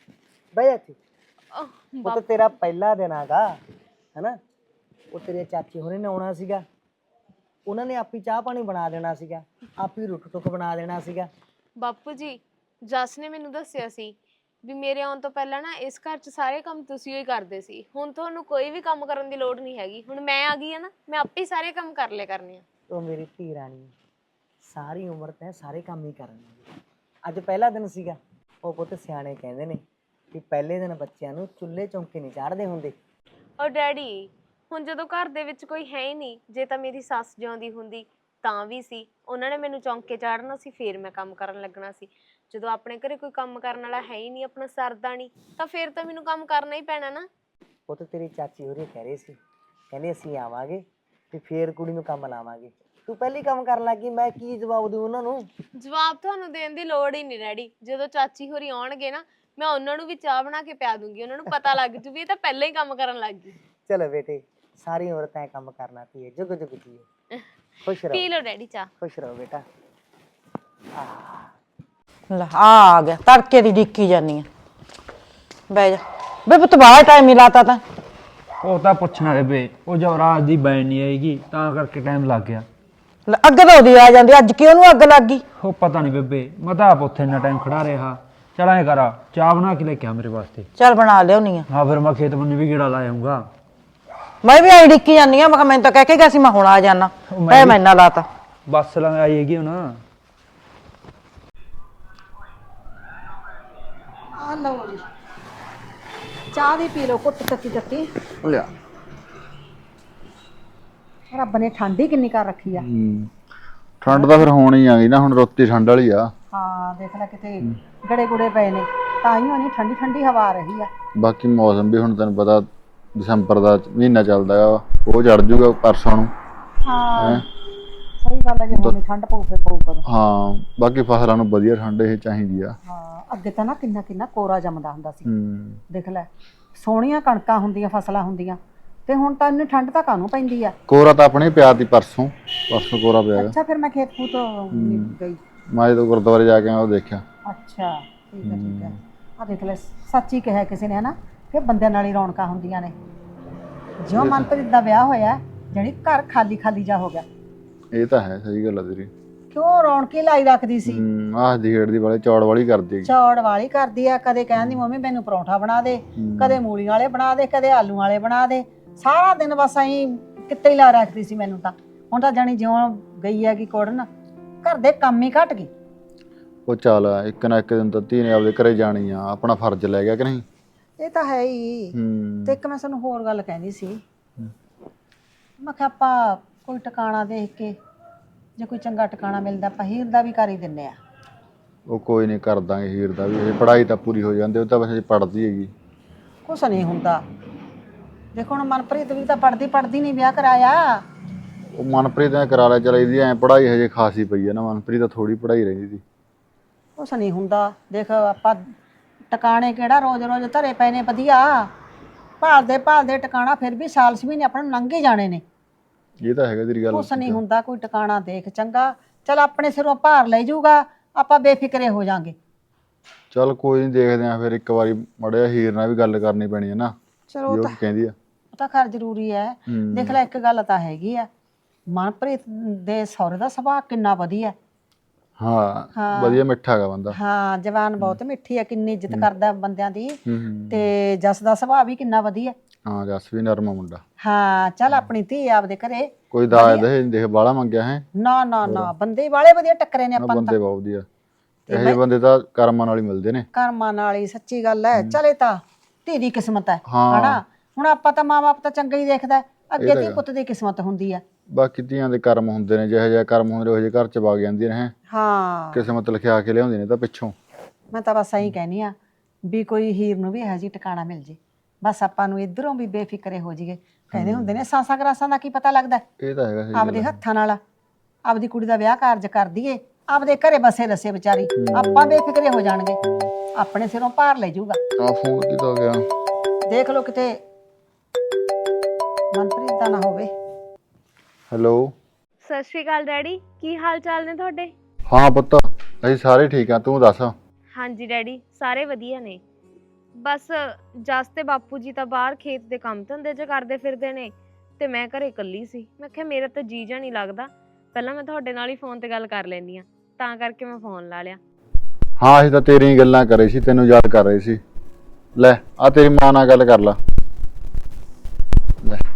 ਬਹਿ ਜਾ ਇੱਥੇ।
ਅਹ,
ਉਹ ਤਾਂ
ਬਾਪੂ
ਤੇਰਾ ਪਹਿਲਾ ਦਿਨ ਆਗਾ ਹੈਨਾ। ਉਹ ਤੇਰੇ ਚਾਚੇ ਹੋਰੇ ਨੇ ਆਉਣਾ ਸੀਗਾ, ਉਹਨਾਂ ਨੇ ਆਪੀ ਚਾਹ ਪਾਣੀ ਬਣਾ ਦੇਣਾ ਸੀਗਾ, ਆਪੀ ਰੁੱਟ ਟੁੱਕ ਬਣਾ ਦੇਣਾ ਸੀਗਾ।
ਬਾਪੂ ਜੀ ਜਸ ਨੇ ਮੈਨੂੰ ਦੱਸਿਆ ਸੀ ਵੀ ਮੇਰੇ ਆਉਣ ਤੋਂ ਪਹਿਲਾਂ ਨਾ ਇਸ ਘਰ 'ਚ ਸਾਰੇ ਕੰਮ ਤੁਸੀਂ ਹੀ ਕਰਦੇ ਸੀ। ਹੁਣ ਤੁਹਾਨੂੰ ਕੋਈ ਵੀ ਕੰਮ ਕਰਨ ਦੀ ਲੋੜ ਨਹੀਂ ਹੈਗੀ। ਹੁਣ ਮੈਂ ਆ ਗਈ ਆ ਨਾ, ਮੈਂ ਆਪੇ ਹੀ ਸਾਰੇ ਕੰਮ ਕਰ ਲਿਆ ਕਰਨੇ ਆ।
ਉਹ ਮੇਰੀ ਧੀ ਰਾਣੀ, ਸਾਰੀ ਉਮਰ ਤੈਂ ਸਾਰੇ ਕੰਮ ਹੀ ਕਰਨੇ। ਅੱਜ ਪਹਿਲਾ ਦਿਨ ਸੀਗਾ। ਉਹ ਪੁੱਤ ਸਿਆਣੇ ਕਹਿੰਦੇ ਨੇ ਕਿ ਪਹਿਲੇ ਦਿਨ ਬੱਚਿਆਂ ਨੂੰ ਚੁੱਲ੍ਹੇ ਚੌਂਕੇ ਨਹੀਂ ਚਾੜਦੇ ਹੁੰਦੇ।
ਔਰ ਡੈਡੀ ਹੁਣ ਜਦੋਂ ਘਰ ਦੇ ਵਿੱਚ ਕੋਈ ਹੈ ਹੀ ਨਹੀਂ, ਜੇ ਤਾਂ ਮੇਰੀ ਸੱਸ ਜਿਉਂਦੀ ਹੁੰਦੀ ਤਾਂ ਵੀ ਸੀ, ਉਹਨਾਂ ਨੇ ਮੈਨੂੰ ਚੌਂਕੇ ਚਾੜਨਾ ਸੀ, ਫੇਰ ਮੈਂ ਕੰਮ ਕਰਨ ਲੱਗਣਾ ਸੀ। ਜਦੋਂ ਆਪਣੇ ਘਰੇ ਕੋਈ ਕੰਮ ਕਰਨ ਵਾਲਾ ਹੈ ਹੀ ਨਹੀਂ, ਆਪਣਾ ਸਰਦਾ ਨਹੀਂ, ਤਾਂ ਫੇਰ ਤਾਂ ਮੈਨੂੰ ਕੰਮ ਕਰਨਾ ਹੀ ਪੈਣਾ ਨਾ।
ਉਹ ਤਾਂ ਤੇਰੀ ਚਾਚੀ ਹੋਰੀ ਕਹਿ ਰਹੇ ਸੀ, ਕਹਿੰਦੇ ਅਸੀਂ ਆਵਾਂਗੇ ਤੇ ਫੇਰ ਕੁੜੀ ਨੂੰ ਕੰਮ ਲਾਵਾਂਗੇ। ਤੂੰ ਪਹਿਲੀ ਕੰਮ ਕਰਨ ਲੱਗੀ, ਮੈਂ ਕੀ ਜਵਾਬ ਦਊਂ ਉਹਨਾਂ ਨੂੰ?
ਜਵਾਬ ਤੁਹਾਨੂੰ ਦੇਣ ਦੀ ਲੋੜ ਹੀ ਨਹੀਂ ਡੈਡੀ। ਜਦੋਂ ਚਾਚੀ ਹੋਰੀ ਆਉਣਗੇ ਨਾ, ਮੈਂ ਉਹਨਾਂ ਨੂੰ ਵੀ ਚਾਹ ਬਣਾ ਕੇ ਪਿਆ ਦੂੰਗੀ। ਉਹਨਾਂ ਨੂੰ ਪਤਾ ਲੱਗ ਜੂ ਵੀ ਇਹ ਤਾਂ ਪਹਿਲਾਂ ਹੀ ਕੰਮ ਕਰਨ ਲੱਗ ਗਈ।
ਚਲੋ ਬੇਟੇ, ਸਾਰੀ ਉਮਰ ਤੈਂ ਕੰਮ ਕਰਨਾ ਧੀਏ, ਜੁਗ ਜੁਗ ਜੀਏ। ਖੁਸ਼ ਰਹੋ,
ਪੀ ਲਓ ਡੈਡੀ ਚਾਹ।
ਖੁਸ਼ ਰਹੋ ਬੇਟਾ।
ਲੈ ਆ ਆ ਗਿਆ, ਤੜਕੇ ਦੀ ਡਿੱਕੀ ਜਾਨੀ ਆ। ਬਹਿ ਜਾ ਬੇ ਪੁੱਤ, ਬਾਹਰ ਟਾਈਮ ਹੀ ਲਾਤਾ ਤਾਂ।
ਉਹ ਤਾਂ ਪੁੱਛਣਾ ਬੇਬੇ, ਉਹ ਜਵਰਾਜ ਦੀ ਬੈਨ ਨਹੀਂ ਆਏਗੀ ਤਾਂ ਕਰਕੇ ਟਾਈਮ ਲੱਗ ਗਿਆ।
ਲੈ ਅੱਗ ਤਾਂ ਉਹਦੀ ਆ ਜਾਂਦੀ, ਅੱਜ ਕਿਉਂ ਉਹਨੂੰ ਅੱਗ ਲੱਗ ਗਈ?
ਉਹ ਪਤਾ ਨਹੀਂ ਬੇਬੇ, ਮੈਂ ਤਾਂ ਆਪ ਉੱਥੇ ਇੰਨਾ ਟਾਈਮ ਖੜਾ ਰਿਹਾ। ਚਲ ਐਂ ਕਰਾ, ਚਾਹ ਬਣਾ ਕੇ ਲੈ ਕੇ ਆ ਮੇਰੇ ਵਾਸਤੇ।
ਚੱਲ ਬਣਾ ਲਿਆਉਣੀ ਆ।
ਹਾਂ ਫਿਰ ਮੈਂ ਖੇਤ ਬੰਨੇ ਵੀ ਗੇੜਾ ਲਾ ਆਊਂਗਾ।
ਮੈਂ ਵੀ ਆਈ ਡਿੱਕੀ ਜਾਨੀ ਆ। ਮੈਂ ਕਿਹਾ ਮੈਨੂੰ ਤਾਂ ਕਹਿ ਕੇ ਗਿਆ ਸੀ ਮੈਂ ਹੁਣ ਆ ਜਾਣਾ, ਐ ਮੈਂ ਇੰਨਾ ਲਾਤਾ।
ਬੱਸ ਲੰਘ ਆਈ ਹੈਗੀ ਹੁਣ।
ਆ ਲਓ ਜੀ, ਚਾਹ ਦੀ ਪੀ ਲਓ ਘੁੱਟ ਤੱਤੀ ਤੱਤੀ।
ਲਿਆ
ਰੱਬ ਨੇ ਠੰਡ ਹੀ ਕਿੰਨੀ ਕਰ ਰੱਖੀ ਆ।
ਠੰਡ ਤਾਂ ਫਿਰ ਹੋਣੀ ਆ ਗਈ ਨਾ, ਹੁਣ ਰੋਤੀ ਠੰਡ ਵਾਲੀ ਆ।
ਹਾਂ ਦੇਖ ਲੈ ਕਿਤੇ ਗੜੇ ਗੁੜੇ ਪਏ ਨੇ, ਤਾਂ ਹੀ ਉਹਨੀ ਠੰਡੀ ਠੰਡੀ ਹਵਾ ਆ ਰਹੀ ਆ।
ਬਾਕੀ ਮੌਸਮ ਵੀ ਹੁਣ ਤੈਨੂੰ ਪਤਾ ਦਸੰਬਰ ਦਾ ਮਹੀਨਾ ਚੱਲਦਾ ਆ, ਉਹ ਚੜ ਜੂਗਾ ਪਰਸੋਂ ਨੂੰ।
ਹਾਂ ਸਹੀ ਗੱਲ ਹੈ, ਜੇ ਹੁਣ ਠੰਡ ਪਊ ਫੇ ਪਊ ਕਦੋਂ।
ਹਾਂ ਬਾਕੀ ਫਸਲਾਂ ਨੂੰ ਵਧੀਆ ਠੰਡ ਇਹ ਚਾਹੀਦੀ ਆ।
ਹਾਂ ਅੱਗੇ ਤਾਂ ਨਾ ਕਿੰਨਾ ਕਿੰਨਾ ਕੋਰਾ ਜੰਮਦਾ ਹੁੰਦਾ ਸੀ।
ਹੂੰ
ਦੇਖ ਲੈ ਸੋਹਣੀਆਂ ਕਣਕਾਂ ਹੁੰਦੀਆਂ, ਫਸਲਾਂ ਹੁੰਦੀਆਂ, ਤੇ ਹੁਣ ਤਾਂ ਇੰਨੀ ਠੰਡ ਤਾਂ ਕਾਹਨੂੰ ਪੈਂਦੀ ਆ।
ਕੋਰਾ ਤਾਂ ਆਪਣੇ ਪਿਆ ਤੀ ਪਰਸੋਂ, ਪਰਸੋਂ ਕੋਰਾ ਪਿਆ।
ਅੱਛਾ ਫਿਰ ਮੈਂ ਖੇਤ ਖੂਤ ਨਹੀਂ ਗਈ।
ਮੈਂ ਜਦੋਂ ਗੁਰਦੁਆਰੇ ਜਾ ਕੇ ਆਇਆ ਉਹ ਦੇਖਿਆ।
ਅੱਛਾ ਠੀਕ ਹੈ ਠੀਕ ਹੈ। ਆ ਦੇਖ ਲੈ ਸੱਚੀ ਕਿਹਾ ਕਿਸੇ ਨੇ ਹਨਾ, ਕਿ ਬੰਦਿਆਂ ਨਾਲ ਹੀ ਰੌਣਕਾਂ ਹੁੰਦੀਆਂ ਨੇ। ਜਿਉਂ ਮਨਪ੍ਰੀਤ ਦਾ ਵਿਆਹ ਹੋਇਆ ਜਾਣੀ ਘਰ ਖਾਲੀ ਖਾਲੀ ਜਾ ਹੋ ਗਿਆ।
ਇਹ ਤਾਂ ਹੈ, ਸਹੀ ਗੱਲ ਆ ਤੇਰੀ।
ਕਿਉਂ ਰੌਣਕੀ ਲਾਈ ਰੱਖਦੀ ਸੀ।
ਹੂੰ ਆਹ ਦੀ ਖੇਡ ਦੀ ਵਾਲੇ ਚੌੜ ਵਾਲੀ ਕਰਦੀ।
ਚੌੜ ਵਾਲੀ ਕਰਦੀ ਆ, ਕਦੇ ਕਹਿੰਦੀ ਮੰਮੀ ਮੈਨੂੰ ਪਰੌਂਠਾ ਬਣਾ ਦੇ, ਕਦੇ ਮੂਲੀਆਂ ਵਾਲੇ ਬਣਾ ਦੇ, ਕਦੇ ਆਲੂ ਵਾਲੇ ਬਣਾ ਦੇ। ਸਾਰਾ ਦਿਨ ਬਸ ਐਂ ਕਿੱਤੇ ਹੀ ਲਾ ਰੱਖਦੀ ਸੀ ਮੈਨੂੰ ਤਾਂ। ਹੁਣ ਤਾਂ ਜਾਣੀ ਜਿਉਂ ਗਈ ਹੈਗੀ ਕੁੜਨ, ਘਰ ਦੇ ਕੰਮ ਹੀ ਘਟ ਗਏ।
ਉਹ ਚੱਲ ਇੱਕ ਨਾ ਇੱਕ ਦਿਨ ਤਾਂ ਧੀ ਨੇ ਆਪਦੇ ਘਰੇ ਜਾਣੀ ਆ, ਆਪਣਾ ਫਰਜ਼ ਲੈ ਗਿਆ ਕਿ ਨਹੀਂ।
ਇਹ ਤਾਂ ਹੈ ਹੀ।
ਹੂੰ
ਤੇ ਇੱਕ ਮੈਂ ਤੁਹਾਨੂੰ ਹੋਰ ਗੱਲ ਕਹਿੰਦੀ ਸੀ, ਮੈਂ ਕਿਹਾ ਆਪਾਂ ਕੋਈ ਟਿਕਾਣਾ ਦੇਖ ਕੇ, ਜੇ ਕੋਈ ਚੰਗਾ ਟਿਕਾਣਾ ਮਿਲਦਾ ਆਪਾਂ ਹੀਰ ਦਾ ਵੀ ਕਰ ਹੀ ਦਿੰਨੇ ਆ।
ਉਹ ਕੋਈ ਨਹੀਂ, ਕਰ ਦਾਂਗੇ ਹੀਰ ਦਾ ਵੀ। ਪੜ੍ਹਾਈ ਤਾਂ ਪੂਰੀ ਹੋ ਜਾਂਦੀ, ਉਹ ਤਾਂ ਵੈਸੇ ਪੜ੍ਹਦੀ ਹੈਗੀ।
ਕੁਛ ਨਹੀਂ ਹੁੰਦਾ। ਦੇਖੋ ਹੁਣ ਮਨਪ੍ਰੀਤ ਵੀ ਤਾਂ ਪੜ੍ਹਦੀ ਪੜ੍ਹਦੀ ਨਹੀਂ ਵਿਆਹ ਕਰਾਇਆ।
ਉਹ ਮਨਪ੍ਰੀਤ ਨੇ ਕਰਾ ਲਿਆ, ਚਲ ਇਹਦੀ ਐ ਪੜ੍ਹਾਈ ਹਜੇ ਖਾਸੀ ਪਈ ਆ ਨਾ। ਮਨਪ੍ਰੀਤ ਤਾਂ ਥੋੜੀ ਪੜ੍ਹਾਈ ਰਹਿੰਦੀ ਸੀ।
ਕੁਛ ਨਹੀਂ ਹੁੰਦਾ। ਦੇਖ ਆਪਾਂ ਟਿਕਾਣੇ ਕਿਹੜਾ ਰੋਜ਼ ਰੋਜ਼ ਧਰੇ ਪਏ ਨੇ ਵਧੀਆ, ਭਾਲਦੇ ਭਾਲਦੇ ਟਿਕਾਣਾ ਫਿਰ ਵੀ ਸਾਲ ਛੇ ਮਹੀਨੇ ਆਪਾਂ ਨੂੰ ਲੰਘ ਹੀ ਜਾਣੇ ਨੇ।
ਇਹ ਤਾਂ ਹੈਗਾ ਤੇਰੀ ਗੱਲ।
ਕੁਛ ਨਹੀਂ ਹੁੰਦਾ, ਕੋਈ ਟਿਕਾਣਾ ਦੇਖ ਚੰਗਾ। ਚਲ ਆਪਣੇ ਸਿਰੋਂ ਭਾਰ ਲੈ ਜਾਊਗਾ, ਆਪਾਂ ਬੇਫਿਕਰੇ ਹੋ ਜਾਾਂਗੇ।
ਚਲ ਕੋਈ ਨਹੀਂ, ਦੇਖਦੇ ਆ ਫਿਰ ਇੱਕ ਵਾਰੀ ਮੜਿਆ ਹੀਰ ਨਾਲ ਵੀ ਗੱਲ ਕਰਨੀ ਪੈਣੀ ਹੈ ਨਾ,
ਚਲੋ
ਜੋ ਕਹਿੰਦੀ ਆ।
ਉਹ ਤਾਂ ਖੈਰ ਜ਼ਰੂਰੀ ਹੈ। ਦੇਖ ਲੈ ਇੱਕ ਗੱਲ ਤਾਂ ਹੈਗੀ ਆ, ਮਨਪ੍ਰੀਤ ਦੇ ਸਹੁਰੇ ਦਾ ਸੁਭਾਅ ਕਿੰਨਾ ਵਧੀਆ।
ਹਾਂ ਵਧੀਆ ਮਿੱਠਾ ਹੈਗਾ ਬੰਦਾ।
ਹਾਂ ਜਵਾਨ ਬਹੁਤ ਮਿੱਠੀ ਹੈ, ਕਿੰਨੀ ਇੱਜ਼ਤ ਕਰਦਾ ਬੰਦਿਆਂ ਦੀ। ਤੇ ਜਸ ਦਾ ਸੁਭਾਅ ਵੀ ਕਿੰਨਾ ਵਧੀਆ।
ਹਾਂ ਜਸ ਵੀ ਨਰਮਾ ਮੁੰਡਾ।
ਹਾਂ ਚੱਲ ਆਪਣੀ ਧੀ ਆਪਦੇ ਘਰੇ।
ਕੋਈ ਦਾਜ ਦੇ ਦੇਖ ਬਾਹਲਾ ਮੰਗਿਆ ਹੈ?
ਨਾ ਨਾ ਨਾ ਬੰਦੇ ਵਾਲੇ ਵਧੀਆ ਟੱਕਰੇ ਨੇ ਆਪਾਂ ਨੂੰ।
ਬੰਦੇ ਬਹੁਤ ਵਧੀਆ, ਇਹੋ ਜਿਹੇ ਬੰਦੇ ਤਾਂ ਕਰਮਾਂ ਨਾਲ ਹੀ ਮਿਲਦੇ ਨੇ।
ਕਰਮਾਂ ਨਾਲ ਹੀ, ਸੱਚੀ ਗੱਲ ਹੈ। ਚਲੇ ਤਾਂ ਧੀ ਦੀ ਕਿਸਮਤ ਹੈ ਹਨਾ। ਹੁਣ ਆਪਾਂ ਤਾਂ ਮਾਂ ਬਾਪ ਤਾਂ ਚੰਗਾ ਹੀ ਦੇਖਦਾ, ਅੱਗੇ ਧੀ ਪੁੱਤ ਦੀ ਕਿਸਮਤ ਹੁੰਦੀ ਆ।
ਬਾਕੀ ਧੀਆਂ ਦੇ ਕਰਮ ਹੁੰਦੇ ਨੇ, ਜਿਹੋ ਜਿਹਾ ਕਰਮ ਹੁੰਦੇ ਉਹ ਜਿਹੇ ਘਰ ਚ ਵਗ ਜਾਂਦੀਆਂ ਨੇ।
ਹਾਂ
ਕਿਸਮਤ ਲਿਖਿਆ ਕੇ ਲਿਆਉਂਦੇ ਨੇ ਤਾਂ ਪਿੱਛੋਂ।
ਮੈਂ ਤਾਂ ਬਸ ਇਹੀ ਕਹਿਨੀ ਆ ਵੀ ਕੋਈ ਹੀਰ ਨੂੰ ਵੀ ਇਹੋ ਜਿਹੀ ਟਿਕਾਣਾ ਮਿਲ ਜੇ, ਬਸ ਆਪਾਂ ਨੂੰ ਇਧਰੋਂ ਵੀ ਬੇਫਿਕਰੇ ਹੋ ਜਾਈਏ। ਕਹਿੰਦੇ ਹੁੰਦੇ ਨੇ ਸਾਸਾਂ ਗਰਾਸਾਂ ਦਾ ਕੀ ਪਤਾ ਲੱਗਦਾ।
ਇਹ ਤਾਂ ਹੈਗਾ,
ਆਪਦੇ ਹੱਥਾਂ ਨਾਲ ਆਪਦੀ ਕੁੜੀ ਦਾ ਵਿਆਹ ਕਾਰਜ ਕਰ ਦਈਏ, ਆਪਦੇ ਘਰੇ ਬਸੇ ਰਸੇ ਵਿਚਾਰੀ, ਆਪਾਂ ਬੇਫਿਕਰੇ ਹੋ ਜਾਣਗੇ, ਆਪਣੇ ਸਿਰੋਂ ਭਾਰ ਲੈ ਜਾਊਗਾ।
ਆ ਫੋਨ ਕਿਦੋਂ ਗਿਆ?
ਦੇਖ ਲਓ ਕਿਤੇ ਮਨਪ੍ਰੀਤ ਦਾ ਨਾ ਹੋਵੇ।
ਹੈਲੋ
ਸਤਿ ਸ਼੍ਰੀ ਅਕਾਲ ਡੈਡੀ, ਕੀ ਹਾਲ ਚਾਲ ਨੇ ਤੁਹਾਡੇ?
ਹਾਂ ਪੁੱਤ ਅਸੀਂ ਸਾਰੇ ਠੀਕ ਆ, ਤੂੰ ਦੱਸ।
ਹਾਂਜੀ ਡੈਡੀ ਸਾਰੇ ਵਧੀਆ ਨੇ। ਬਸ ਜਸ ਤੇ ਬਾਪੂ ਜੀ ਤਾਂ ਬਾਹਰ ਖੇਤ ਦੇ ਕੰਮ ਧੰਦੇ 'ਚ ਕਰਦੇ ਫਿਰਦੇ ਨੇ ਤੇ ਮੈਂ ਘਰੇ ਇਕੱਲੀ ਸੀ। ਮੈਂ ਕਿਹਾ ਮੇਰਾ ਤਾਂ ਜੀ ਜਾ ਨਹੀਂ ਲੱਗਦਾ, ਪਹਿਲਾਂ ਮੈਂ ਤੁਹਾਡੇ ਨਾਲ ਹੀ ਫੋਨ ਤੇ ਗੱਲ ਕਰ ਲੈਂਦੀ ਆ, ਤਾਂ ਕਰਕੇ ਮੈਂ ਫੋਨ ਲਾ ਲਿਆ।
ਹਾਂ ਅਸੀਂ ਤਾਂ ਤੇਰੀਆਂ ਗੱਲਾਂ ਕਰ ਰਹੇ ਸੀ, ਤੈਨੂੰ ਯਾਦ ਕਰ ਰਹੇ ਸੀ। ਲੈ ਆ ਤੇਰੀ ਮਾਂ ਨਾਲ ਗੱਲ ਕਰ ਲਾ। ਲੈ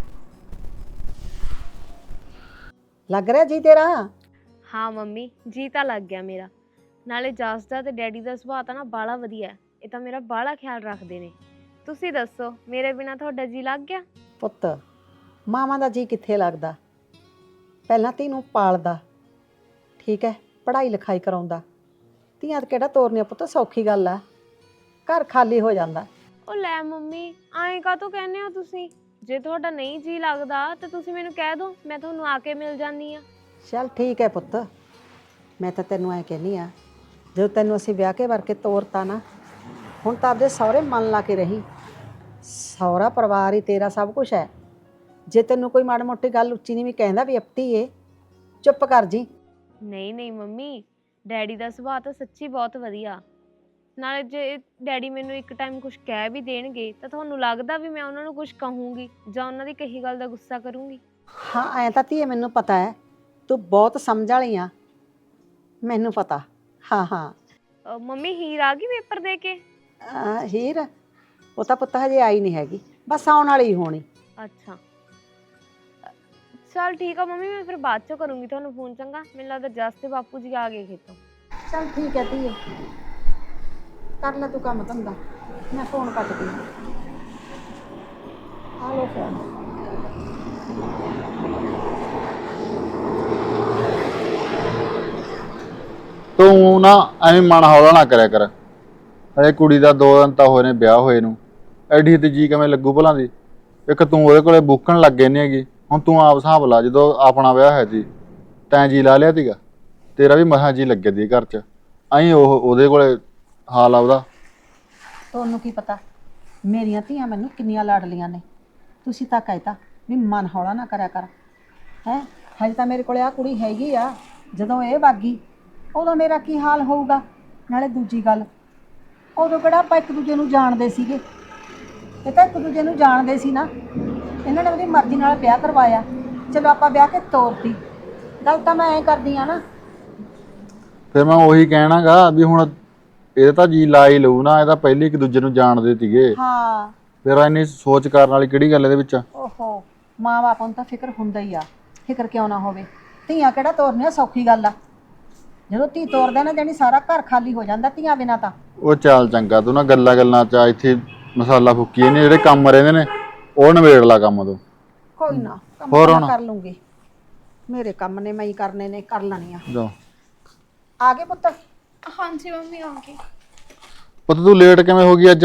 ਲੱਗ ਰਿਹਾ ਜੀ ਤੇਰਾ?
ਹਾਂ ਮੰਮੀ, ਜੀ ਤਾਂ ਲੱਗ ਗਿਆ ਮੇਰਾ। ਨਾਲੇ ਜਸ ਦਾ ਤੇ ਡੈਡੀ ਦਾ ਸੁਭਾਅ ਤਾਂ ਨਾ ਬਾਹਲਾ ਵਧੀਆ, ਇਹ ਤਾਂ ਮੇਰਾ ਬਾਹਲਾ ਖਿਆਲ ਰੱਖਦੇ ਨੇ। ਤੁਸੀਂ ਦੱਸੋ, ਮੇਰੇ ਬਿਨਾ ਤੁਹਾਡਾ ਜੀ ਲੱਗ ਗਿਆ?
ਪੁੱਤ, ਮਾਵਾਂ ਦਾ ਜੀ ਕਿੱਥੇ ਲੱਗਦਾ? ਪਹਿਲਾਂ ਧੀ ਪਾਲਦਾ, ਠੀਕ ਹੈ, ਪੜ੍ਹਾਈ ਲਿਖਾਈ ਕਰਾਉਂਦਾ। ਧੀਆਂ ਕਿਹੜਾ ਤੋਰਨੀਆਂ ਪੁੱਤ ਸੌਖੀ ਗੱਲ ਆ, ਘਰ ਖਾਲੀ ਹੋ ਜਾਂਦਾ।
ਉਹ ਲੈ ਮੰਮੀ, ਐਂ ਕਾਹਤੋਂ ਕਹਿੰਦੇ ਹੋ ਤੁਸੀਂ? ਜੇ ਤੁਹਾਡਾ ਨਹੀਂ ਜੀ ਲੱਗਦਾ ਤਾਂ ਤੁਸੀਂ ਮੈਨੂੰ ਕਹਿ ਦਿਓ, ਮੈਂ ਤੁਹਾਨੂੰ ਆ ਕੇ ਮਿਲ ਜਾਂਦੀ ਆ।
ਚੱਲ ਠੀਕ ਹੈ ਪੁੱਤ, ਮੈਂ ਤਾਂ ਤੈਨੂੰ ਐਂ ਕਹਿੰਦੀ ਆ, ਜਦੋਂ ਤੈਨੂੰ ਅਸੀਂ ਵਿਆਹ ਕੇ ਵਰ ਕੇ ਤੋਰਤਾ ਨਾ, ਹੁਣ ਤਾਂ ਆਪਦੇ ਸਹੁਰੇ ਮਨ ਲਾ ਕੇ ਰਹੀ। ਸਹੁਰਾ ਪਰਿਵਾਰ ਹੀ ਤੇਰਾ ਸਭ ਕੁਝ ਹੈ। ਜੇ ਤੈਨੂੰ ਕੋਈ ਮਾੜੀ ਮੋਟੀ ਗੱਲ ਉੱਚੀ ਨਹੀਂ ਵੀ ਕਹਿੰਦਾ ਵੀ ਅਪਤੀ ਏ, ਚੁੱਪ ਕਰ ਜੀ।
ਨਹੀਂ ਨਹੀਂ ਮੰਮੀ, ਡੈਡੀ ਦਾ ਸੁਭਾਅ ਤਾਂ ਸੱਚੀ ਬਹੁਤ ਵਧੀਆ। ਨਾਲੇ ਜੇ ਡੈਡੀ ਮੈਨੂੰ ਇੱਕ ਟਾਈਮ ਕੁਝ ਕਹਿ ਵੀ ਦੇਣਗੇ ਤਾਂ ਤੁਹਾਨੂੰ ਲੱਗਦਾ ਵੀ ਮੈਂ ਉਹਨਾਂ ਨੂੰ ਕੁਝ ਕਹੂੰਗੀ ਜਾਂ ਉਹਨਾਂ ਦੀ ਕਹੀ ਗੱਲ ਦਾ ਗੁੱਸਾ ਕਰੂੰਗੀ?
ਹਾਂ ਐਂ ਤਾਂ ਧੀਏ ਮੈਨੂੰ ਪਤਾ ਹੈ, ਤੂੰ ਬਹੁਤ ਸਮਝ ਵਾਲੀ ਆ, ਮੈਨੂੰ ਪਤਾ। ਹਾਂ ਹਾਂ
ਅਹ ਮੰਮੀ, ਹੀਰ ਆ ਗਈ ਪੇਪਰ ਦੇ ਕੇ?
ਅਹ ਹੀਰ ਉਹ ਤਾਂ ਪੁੱਤ ਹਜੇ ਆਈ ਨਹੀਂ ਹੈਗੀ, ਬਸ ਆਉਣ ਵਾਲੀ ਹੀ ਹੋਣੀ।
ਅੱਛਾ ਚਲ ਠੀਕ ਆ ਮੰਮੀ, ਮੈਂ ਫਿਰ ਬਾਅਦ ਚੋਂ ਕਰੂੰਗੀ ਤੁਹਾਨੂੰ ਫੋਨ। ਚੰਗਾ, ਮੈਨੂੰ ਲੱਗਦਾ ਜਸ ਤੇ ਬਾਪੂ ਜੀ ਆ ਗਏ ਖੇਤੋਂ।
ਚੱਲ ਠੀਕ ਹੈ ਧੀਏ, ਕਰ ਲੈ ਤੂੰ ਕੰਮ ਧੰਦਾ, ਮੈਂ ਫੋਨ ਕੱਟਦੀ ਹਾਂ। ਆ ਲੋ ਫੋਨ।
ਤੂੰ ਨਾ ਐਵੇਂ ਮਨ ਹੌਲਾ ਨਾ ਕਰਿਆ ਕਰ। ਅਰੇ ਕੁੜੀ ਦਾ ਦੋ ਦਿਨ ਤਾਂ ਹੋਏ ਨੇ ਵਿਆਹ ਹੋਏ ਨੂੰ, ਐਡੀ ਤੇ ਜੀ ਕਿਵੇਂ ਲੱਗੂ ਭਲਾਂ ਦੀ? ਇੱਕ ਤੂੰ ਉਹਦੇ ਕੋਲੇ ਬੁੱਕਣ ਲੱਗ ਗਈ ਨਹੀਂ ਹੈਗੀ। ਹੁਣ ਤੂੰ ਆਪ ਹਿਸਾਬ ਲਾ, ਜਦੋਂ ਆਪਣਾ ਵਿਆਹ ਹੈ ਜੀ ਤੈਂ ਜੀ ਲਾ ਲਿਆ ਸੀਗਾ, ਤੇਰਾ ਵੀ ਮਸਾਂ ਜੀ ਲੱਗੇ ਦੀ ਘਰ 'ਚ। ਐਂ ਉਹ ਉਹਦੇ ਕੋਲੇ ਹਾਲ ਆ ਉਹਦਾ।
ਤੁਹਾਨੂੰ ਕੀ ਪਤਾ ਮੇਰੀਆਂ ਧੀਆਂ ਮੈਨੂੰ ਕਿੰਨੀਆਂ ਲਾਡਲੀਆਂ ਨੇ। ਤੁਸੀਂ ਤਾਂ ਕਹਿਤਾ ਵੀ ਮਨ ਹੌਲਾ ਨਾ ਕਰਿਆ ਕਰ। ਹੈ ਹਜੇ ਤਾਂ ਮੇਰੇ ਕੋਲੇ ਆ ਕੁੜੀ ਹੈਗੀ ਆ, ਜਦੋਂ ਇਹ ਵਾਗੀ ਉਦੋਂ ਮੇਰਾ ਕੀ ਹਾਲ ਹੋਊਗਾ? ਨਾਲੇ ਦੂਜੀ ਗੱਲ, ਉਦੋਂ ਕਿਹੜਾ ਆਪਾਂ ਇੱਕ ਦੂਜੇ ਨੂੰ ਜਾਣਦੇ ਸੀਗੇ? ਇਹ ਤਾਂ ਇੱਕ ਦੂਜੇ ਨੂੰ ਜਾਣਦੇ ਸੀ ਨਾ, ਇਹਨਾਂ ਨੇ ਉਹਦੀ ਮਰਜ਼ੀ ਨਾਲ ਵਿਆਹ ਕਰਵਾਇਆ, ਚਲੋ ਆਪਾਂ ਵਿਆਹ ਕੇ ਤੋਰਤੀ। ਗੱਲ ਤਾਂ ਮੈਂ ਐਂ ਕਰਦੀ ਆ ਨਾ।
ਫਿਰ ਮੈਂ ਉਹੀ ਕਹਿਣਾਗਾ ਵੀ ਹੁਣ ਇਹ ਤਾਂ ਜੀ ਲਾ ਹੀ ਲਊ ਨਾ, ਇਹ ਤਾਂ ਪਹਿਲੇ ਇੱਕ ਦੂਜੇ ਨੂੰ ਜਾਣਦੇ ਸੀਗੇ।
ਹਾਂ
ਫਿਰ ਇੰਨੀ ਸੋਚ ਕਰਨ ਵਾਲੀ ਕਿਹੜੀ ਗੱਲ ਇਹਦੇ ਵਿੱਚ?
ਓਹੋ, ਮਾਂ ਬਾਪ ਨੂੰ ਤਾਂ ਫਿਕਰ ਹੁੰਦਾ ਹੀ ਆ, ਫਿਕਰ ਕਿਉਂ ਨਾ ਹੋਵੇ? ਧੀਆਂ ਕਿਹੜਾ ਤੋਰਨੀਆਂ ਸੌਖੀ ਗੱਲ ਆ? ਜਦੋਂ ਧੀ ਤੋਰਦਾ ਨਾ ਜਾਣੀ ਸਾਰਾ ਘਰ ਖਾਲੀ ਹੋ ਜਾਂਦਾ ਧੀਆਂ ਬਿਨਾਂ ਤਾਂ।
ਉਹ ਚੱਲ ਚੰਗਾ, ਤੂੰ ਨਾ ਗੱਲਾਂ ਗੱਲਾਂ 'ਚ ਇੱਥੇ ਮਸਾਲਾ ਫੁੱਕੀ ਨੇ, ਜਿਹੜੇ ਕੰਮ ਰਹਿੰਦੇ ਨੇ ਉਹ ਨਿਬੇੜ ਲਾ ਕੰਮ ਤੋਂ।
ਕੋਈ ਨਾ, ਕੰਮ
ਹੋਰ
ਤਾਂ
ਹੁਣ?
ਮੈਂ ਕਰ ਲੂੰਗੀ, ਮੇਰੇ ਕੰਮ ਨੇ ਮੈਂ ਹੀ ਕਰਨੇ ਨੇ, ਕਰ ਲੈਣੀ ਆ।
ਜਾ
ਆ ਗਏ ਪੁੱਤ?
ਹਾਂਜੀ ਮੰਮੀ, ਆ ਗਈ।
ਪੁੱਤ ਤੂੰ ਲੇਟ ਕਿਵੇਂ ਹੋ ਗਈ ਅੱਜ?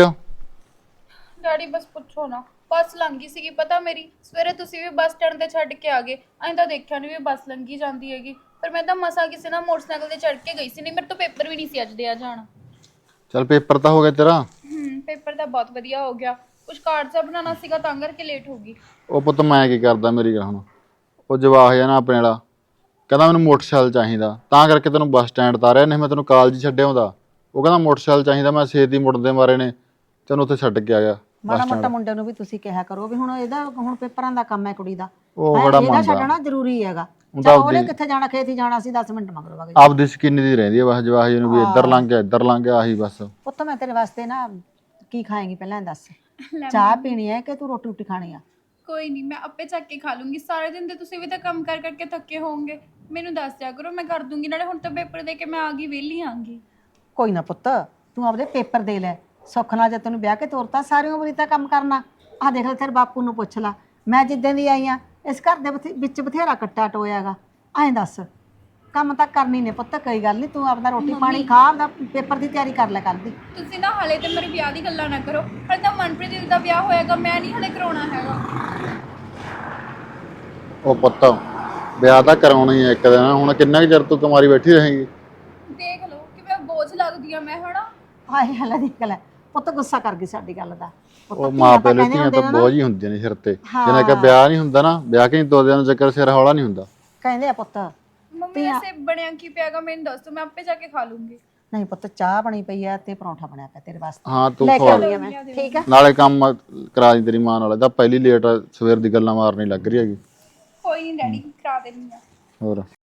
ਡੈਡੀ ਬਸ ਪੁੱਛੋ ਨਾ, ਬੱਸ ਲੰਘੀ ਸੀਗੀ ਪਤਾ ਮੇਰੀ। ਸਵੇਰੇ ਤੁਸੀਂ ਵੀ ਬੱਸ ਸਟੈਂਡ ਤੇ ਛੱਡ ਕੇ ਆ ਗਏ, ਐਂ ਤਾਂ ਦੇਖਿਆ ਨਹੀਂ ਵੀ ਬੱਸ ਲੰਘੀ ਜਾਂਦੀ ਹੈਗੀ। ਪਰ ਮੈਂ ਤਾਂ ਮਸਾਂ ਕਿਸੇ ਨਾਲ ਮੋਟਰਸਾਈਕਲ ਤੇ ਚੜ੍ਹ ਕੇ ਗਈ ਸੀ, ਨਹੀਂ ਮੇਰੇ ਤੋਂ ਪੇਪਰ ਵੀ ਨਹੀਂ ਸੀ ਅੱਜ ਦੇ ਆ ਜਾਣਾ।
ਚੱਲ ਪੇਪਰ ਤਾਂ ਹੋ ਗਿਆ ਤੇਰਾ?
ਹੂੰ, ਪੇਪਰ ਤਾਂ ਬਹੁਤ ਵਧੀਆ ਹੋ ਗਿਆ। ਕੁਝ ਕਾਰਡ ਜਿਹਾ ਬਣਾਉਣਾ ਸੀਗਾ ਤਾਂ ਕਰਕੇ ਲੇਟ ਹੋ ਗਈ।
ਉਹ ਪੁੱਤ ਮੈਂ ਕੀ ਕਰਦਾ, ਮੇਰੀ ਗੱਲ ਹੁਣ। ਉਹ ਜਵਾਕ ਜਿਹਾ ਨਾ ਆਪਣੇ ਵਾਲਾ ਕਹਿੰਦਾ ਮੈਨੂੰ ਮੋਟਰਸਾਈਕਲ ਚਾਹੀਦਾ, ਤਾਂ ਕਰਕੇ ਤੈਨੂੰ ਬੱਸ ਸਟੈਂਡ ਤਾਰਿਆ, ਨਹੀਂ ਮੈਂ ਤੈਨੂੰ ਕਾਲਜ ਛੱਡਿਆ ਹੁੰਦਾ। ਉਹ ਕਹਿੰਦਾ ਮੋਟਰਸਾਈਕਲ ਚਾਹੀਦਾ, ਮੈਂ ਛੇਤੀ ਮੁੜਦੇ ਮਾਰੇ ਨੇ ਤੈਨੂੰ ਉੱਥੇ ਛੱਡ ਕੇ ਆ ਗਿਆ।
ਮਾੜਾ ਮੋਟਾ ਮੁੰਡੇ ਨੂੰ ਵੀ ਤੁਸੀਂ ਕਿਹਾ ਕਰੋ ਵੀ ਹੁਣ ਇਹਦਾ ਹੁਣ ਪੇਪਰਾਂ ਦਾ ਕੰਮ ਹੈ ਕੁੜੀ ਦਾ,
ਉਹ
ਹੈਂ,
ਬੜਾ
ਇਹਦਾ
ਮੰਨਦਾ।
ਛੱਡਣਾ ਜ਼ਰੂਰੀ ਹੈਗਾ।
ਉਹਦਾ
ਚੱਲ ਉਹਨੇ
ਆਪਦੀ-
ਕਿੱਥੇ ਜਾਣਾ, ਖੇਤ ਹੀ ਜਾਣਾ ਸੀ, ਦਸ ਮਿੰਟ ਮਗਰੋਂ ਵਗ ਜਾ।
ਆਪਦੀ ਸਕਿੰਨ ਦੀ ਰਹਿੰਦੀ ਹੈ ਬਸ ਜਵਾਕ ਜੀ ਨੂੰ, ਵੀ ਇੱਧਰ ਲੰਘ ਗਿਆ ਇੱਧਰ ਲੰਘ ਗਿਆ, ਆਹੀ ਬਸ।
ਪੁੱਤ ਮੈਂ ਤੇਰੇ ਵਾਸਤੇ ਨਾ ਕੀ ਖਾਏਂਗੀ ਪਹਿਲਾਂ ਦੱਸ? ਚਾਹ ਪੀਣੀ ਹੈ ਕਿ ਤੂੰ ਰੋਟੀ ਰੋਟੀ ਖਾਣੀ ਆ?
ਕੋਈ ਨਹੀਂ, ਮੈਂ ਆਪੇ ਚੱਕ ਕੇ ਖਾ ਲੂੰਗੀ। ਸਾਰੇ ਦਿਨ ਤੇ ਤੁਸੀਂ ਵੀ ਤਾਂ ਕੰਮ ਕਰ ਕਰਕੇ ਥੱਕੇ ਹੋਵੋਗੇ, ਮੈਨੂੰ ਦੱਸ ਦਿਆ ਕਰੋ, ਮੈਂ ਕਰ ਦੂੰਗੀ। ਨਾਲੇ ਹੁਣ ਤਾਂ ਪੇਪਰ ਦੇ ਕੇ ਮੈਂ ਆ ਗਈ, ਵਿਹਲੀ ਆਂਗੀ।
ਕੋਈ ਨਾ ਪੁੱਤ, ਤੂੰ ਆਪਦੇ ਪੇਪਰ ਦੇ ਲੈ, ਸੁੱਖ ਨਾਲ ਜੇ ਤੈਨੂੰ ਵਿਆਹ ਕੇ ਤੋਰਤਾ ਸਾਰੀ ਉਮਰ ਹੀ ਤਾਂ ਕੰਮ ਕਰਨਾ। ਆਹ ਦੇਖ ਲੈ ਤੇਰੇ ਬਾਪੂ ਨੂੰ ਪੁੱਛ ਲਾ, ਮੈਂ ਜਿੱਦਾਂ ਦੀ ਆਈ ਆ ਇਸ ਘਰ ਦੇ ਬਥੇ- ਵਿੱਚ ਬਥੇਰਾ ਕੱਟਾ ਟੋਇਆਗਾ। ਐਂ ਦੱਸ, ਕੰਮ ਤਾਂ ਕਰਨੀ ਨੇ ਪੁੱਤ, ਕੋਈ ਗੱਲ ਨਹੀਂ, ਤੂੰ ਆਪਦਾ ਰੋਟੀ ਪਾਣੀ ਖਾ, ਆਪਦਾ ਪੇਪਰ ਦੀ ਤਿਆਰੀ ਕਰ ਲੈ ਕੱਲ੍ਹ ਦੀ।
ਤੁਸੀਂ ਨਾ ਹਲੇ ਤੇ ਮੇਰੇ ਵਿਆਹ ਦੀ ਗੱਲਾਂ ਨਾ ਕਰੋ, ਹਲੇ ਤਾਂ ਮਨਪ੍ਰੀਤ ਦੀ ਦਾ ਵਿਆਹ ਹੋਏਗਾ, ਮੈਂ ਨਹੀਂ ਹਲੇ ਕਰਾਉਣਾ ਹੈਗਾ।
ਉਹ ਪੁੱਤ ਵਿਆਹ ਤਾਂ ਕਰਾਉਣਾ ਹੀ ਹੈ ਇੱਕ ਦਿਨ, ਹੁਣ ਕਿੰਨਾ ਕੁ ਚਿਰ ਤੂੰ ਕੁਮਾਰੀ ਬੈਠੀ ਰਹੇਂਗੀ?
ਦੇਖ ਲਓ ਕਿਵੇਂ ਬੋਝ ਲੱਗਦੀ ਆ ਮੈਂ ਹਣਾ।
ਹਾਏ ਹਲੇ ਦੇਖ ਲੈ ਪੁੱਤ, ਗੁੱਸਾ ਕਰ ਗਈ ਸਾਡੀ ਗੱਲ ਦਾ। ਪੁੱਤ
ਉਹ
ਧੀਆਂ
ਮਾਂ
ਤਾਂ
ਪਿਓ ਲਈ
ਕਹਿੰਦੇ
ਧੀਆਂ
ਹੁੰਦੇ
ਤਾਂ
ਨੇ ਨਾ,
ਬੋਝ ਹੀ ਹੁੰਦੀਆਂ ਨੇ ਸਿਰ ਤੇ।
ਹਾਂ।
ਜਿਹਨੇ ਕਿ ਵਿਆਹ ਨਹੀਂ ਹੁੰਦਾ ਨਾ, ਵਿਆਹ ਕੇ ਨਹੀਂ ਦੋ ਦਿਨ ਚੱਕਰ ਸਿਰ ਹੌਲਾ ਨਹੀਂ ਹੁੰਦਾ।
ਕਹਿੰਦੇ ਆ ਪੁੱਤ
ਮੰਮੀ ਐਸੇ ਬਣਿਆ ਕੀ ਪਿਆਗਾ ਮੈਨੂੰ ਦੱਸ ਦੋ, ਮੈਂ ਆਪੇ ਜਾ ਕੇ ਖਾ ਲੂੰਗੀ।
ਨਹੀਂ ਪੁੱਤ ਚਾਹ ਬਣੀ ਪਈ ਆ ਤੇ ਪਰੌਂਠਾ ਬਣਿਆ ਪਿਆ ਤੇਰੇ ਵਾਸਤੇ
ਹਾਂ ਤੂੰ
ਲੈ ਕੇ
ਖਵਾ
ਆਉਂਦੀ ਆ ਮੈਂ ਠੀਕ ਆ
ਨਾਲੇ ਕੰਮ ਕਰਾ ਦੀ ਤੇਰੀ ਮਾਂ ਨਾਲ, ਤਾਂ ਪਹਿਲੀ ਲੇਟ ਸਵੇਰ ਦੀ ਗੱਲਾਂ ਮਾਰਨੀ ਲੱਗ ਰਹੀ ਹੈਗੀ।
ਕੋਈ ਨਹੀਂ ਡੈਡੀ ਕਰਾ ਦੇਣੀ ਆ।
ਹੋਰ